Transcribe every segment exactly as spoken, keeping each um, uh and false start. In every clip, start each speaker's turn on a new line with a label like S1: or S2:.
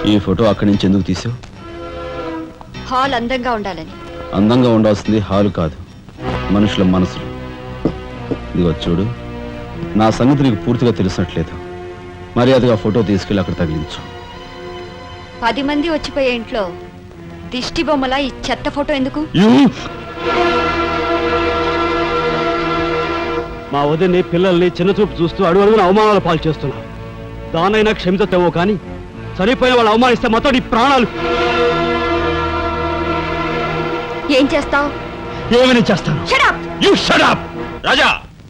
S1: ఈ ఫోటో అక్కడి నుంచి ఎందుకు తీసావు?
S2: హాల్ అందంగా ఉండాలని.
S1: అందంగా ఉండాల్సింది హాలు కాదు, మనుషుల మనసులు. ఇదిగో చూడు, నా సంగతి నీకు పూర్తిగా తెలిసినట్లేదు. మర్యాదగా ఫోటో తీసుకెళ్ళి అక్కడ తగిలించు.
S2: పది మంది వచ్చిపోయే ఇంట్లో దిష్టి బొమ్మలా ఈ చెత్త ఫోటో ఎందుకు?
S3: మా వదిని పిల్లల్ని చిన్నచూపు చూస్తూ అడుగు అడుగున అవమానాలు పాలు చేస్తున్నా. దానైనా క్షమితేవో కానీ చనిపోయిన వాళ్ళు అవమానిస్తే మొత్తం నీ ప్రాణాలు.
S2: ఏం చేస్తావు?
S3: ఏమని చేస్తాను?
S1: You shut up Raja.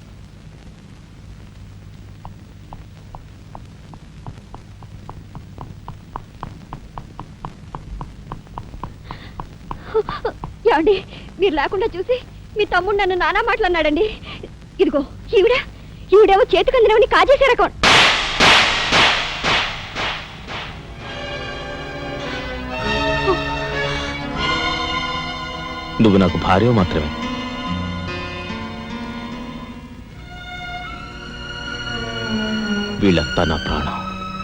S2: ఏమండి, మీరు లేకుండా చూసి మీ తమ్ముడు నన్ను నానా మాట్లాడినాడండి. ఇదిగో ఈవిడ ఈవిడేమో చేతికి అందినవని కాజేసే రకం.
S4: నువ్వు నాకు భార్య మాత్రమే. వీళ్ళంతా నా ప్రాణం.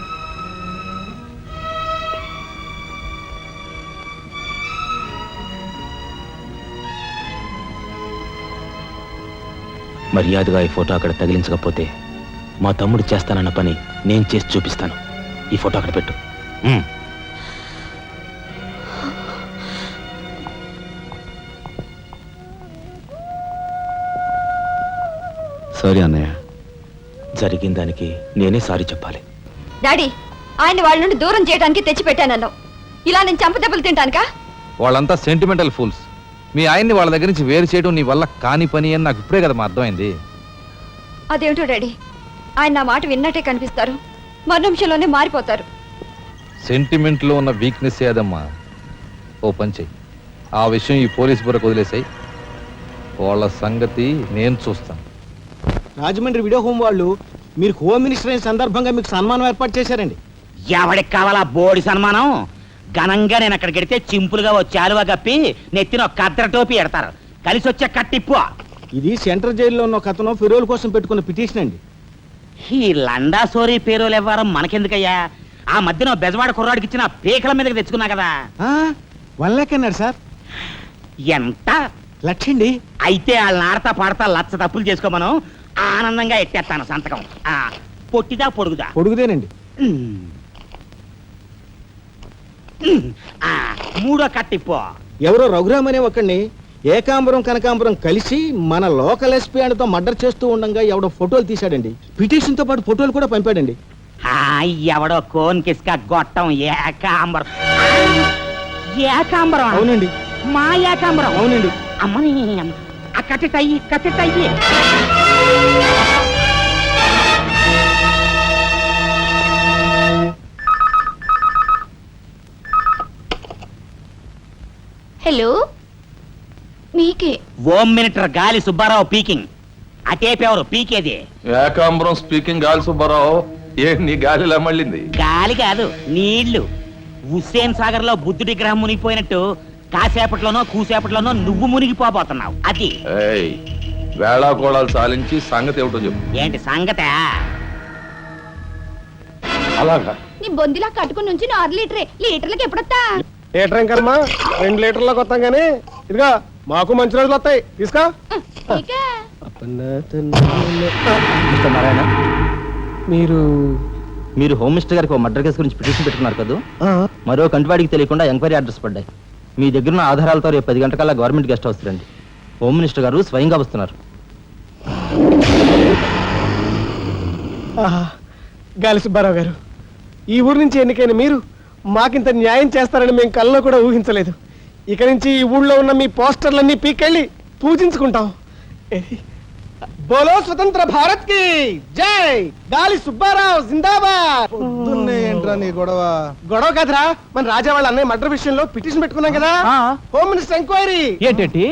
S4: మర్యాదగా ఈ ఫోటో అక్కడ తగిలించకపోతే మా తమ్ముడు చేస్తానన్న పని నేను చేసి చూపిస్తాను. ఈ ఫోటో అక్కడ పెట్టు.
S1: సారీ అన్నయ్య.
S4: జరిగిన దానికి నేనే సారీ చెప్పాలి.
S2: డాడీ, ఆయన వాళ్ళ నుండి దూరం చేయడానికి తెచ్చి పెట్టానన్నావు. ఇలా నేను చంపదెబ్బలు తింటానుకా?
S5: వాళ్ళంతా సెంటిమెంటల్ ఫూల్స్. మీ ఆయన్ని వాళ్ళ దగ్గర నుంచి వేరు చేయడం నీ వల్ల కాని పని అని నాకు ఇప్పుడే కదా మా అర్థమైంది.
S2: అదేమిటో డాడీ, ఆయన నా మాట విన్నట్టే కనిపిస్తారు, మరు నిమిషంలోనే మారిపోతారు.
S5: సెంటిమెంట్లో ఉన్న వీక్నెస్ ఏదమ్మా. ఓ పని చెయ్యి, ఆ విషయం ఈ పోలీస్ బుర్రకు వదిలేసాయి. వాళ్ళ సంగతి నేను చూస్తాను.
S6: రాజమండ్రి వీడియో హోమ్ వాళ్ళు మీరు హోమ్ మినిస్టర్ అయిన సందర్భంగా మీకు సన్మానం ఏర్పాటు చేశారండి.
S7: ఎవడికి కావాలా బోడి సన్మానం? ఘనంగా నేను అక్కడికి వెడితే చింపులుగా ఓ చాలువా కప్పి నెత్తిన ఒక కద్దర టోపీ ఎడతారు. కలిసి వచ్చే కట్టిప్పు.
S6: ఇది సెంట్రల్ జైల్లో ఉన్న ఒక అతను ఫిరోల్ కోసం పెట్టుకున్న పిటిషన్ అండి.
S7: ఈ లండా సోరీ పేరోలు ఇవ్వరం మనకెందుకయ్యా? ఆ మధ్యన బెజవాడ కుర్రాడికి ఇచ్చిన పీకల మీదకి తెచ్చుకున్నా కదా.
S6: వన్ లాక్ అన్నాడు సార్.
S7: ఎంత
S6: లక్షండి.
S7: అయితే వాళ్ళని ఆడతా పాడతా లచ్చ తప్పులు చేసుకోమను. ఆనందంగా ఎట్టేస్తాను సంతకం. ఆ పొట్టిదా పొడుగుదా?
S6: పొడుగుదేనండి.
S7: ఆ మూడో కట్టిప్పు.
S6: ఎవరో రఘురామ్ అనే ఒకడిని ఏకాంబరం కనకాంబరం కలిసి మన లోకల్ ఎస్పీ అండ్తో మర్డర్ చేస్తూ ఉండగా ఎవడో ఫోటోలు తీశాడండి. పిటిషన్ తో పాటు ఫోటోలు కూడా పంపాడండి.
S7: ఎవడో కోన్ కిస్క గొట్టం ఏకాంబరం. ఏకాంబరం?
S6: అవునండి.
S7: మా ఏకాంబరం?
S6: అవునండి.
S7: అమ్మని ఆ కట్టెటయ్యి కట్టెటయ్యి.
S2: హలో, మీకే.
S7: Home minister Gali Subbarao speaking. అటేపెవరు పీకేది?
S5: ఏకాంబరం స్పీకింగ్. గాలి సుబ్బారావు, ఏ నీ గాలిలా మళ్ళింది?
S7: గాలి కాదు, నీళ్లు. హుస్సేన్ సాగర్ లో బుద్ధుడి గ్రహం మునిగిపోయినట్టు కాసేపట్లోనో కూసేపట్లోనో నువ్వు మునిగిపోబోతున్నావు. అది
S5: వేళాకోళాలు సాలించి సంగతి ఏమిటో చెప్పు.
S7: ఏంటి సంగతే?
S5: అలాగా
S2: నీ బొందిలా కట్టుకుని నుంచి ఆరు లీటరే. లీటర్లకు ఎప్పుడొస్తా?
S6: లీటర్ ఇంకమ్మా, రెండు లీటర్లకు వస్తాం కానీ ఇదిగా మాకు మంచి రోజులు వస్తాయి. తీసుకో.
S4: నారాయణ,
S6: మీరు
S4: మీరు హోమ్ మినిస్టర్ గారికి ఒక మర్డర్ కేసు గురించి పిటిషన్ పెట్టుకున్నారు కదా. మరో కంటివాడికి తెలియకుండా ఎంక్వైరీ అడ్రస్ పడ్డాయి. మీ దగ్గర ఉన్న ఆధారాలతో రేపు పది గంటకల్లా గవర్నమెంట్ గెస్ట్ హౌస్ రండి. హోమ్ మినిస్టర్ గారు స్వయంగా వస్తున్నారు.
S6: గాలి సుబ్బారావు గారు, ఈ ఊరు నుంచి ఎన్నికైన మీరు మాకింత న్యాయం చేస్తారని మేము కల్లో కూడా ఊహించలేదు. ఇక నుంచి ఈ ఊళ్ళో ఉన్న మీ పోస్టర్లన్నీ పీకెళ్ళి పూజించుకుంటాం. బోలో స్వతంత్ర భారత్ కి జై. గాలి సుబ్బారావు జిందాబాద్.
S5: ఏంట్రా నీ గొడవ?
S6: గొడవ కదరా, మన రాజా వాళ్ళ అన్నయ్య మర్డర్ విషయంలో పిటిషన్ పెట్టుకున్నాం కదా. Home minister enquiry.
S4: ఏంటి?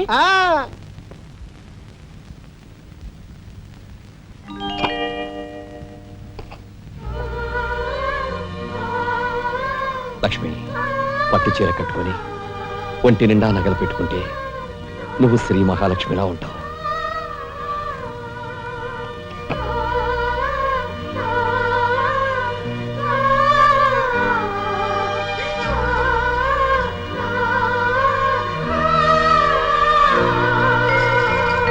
S4: లక్ష్మి, పట్టు చీర కట్టుకొని ఒంటి నిండా నగలు పెట్టుకుంటే నువ్వు శ్రీ మహాలక్ష్మిలా ఉంటావు.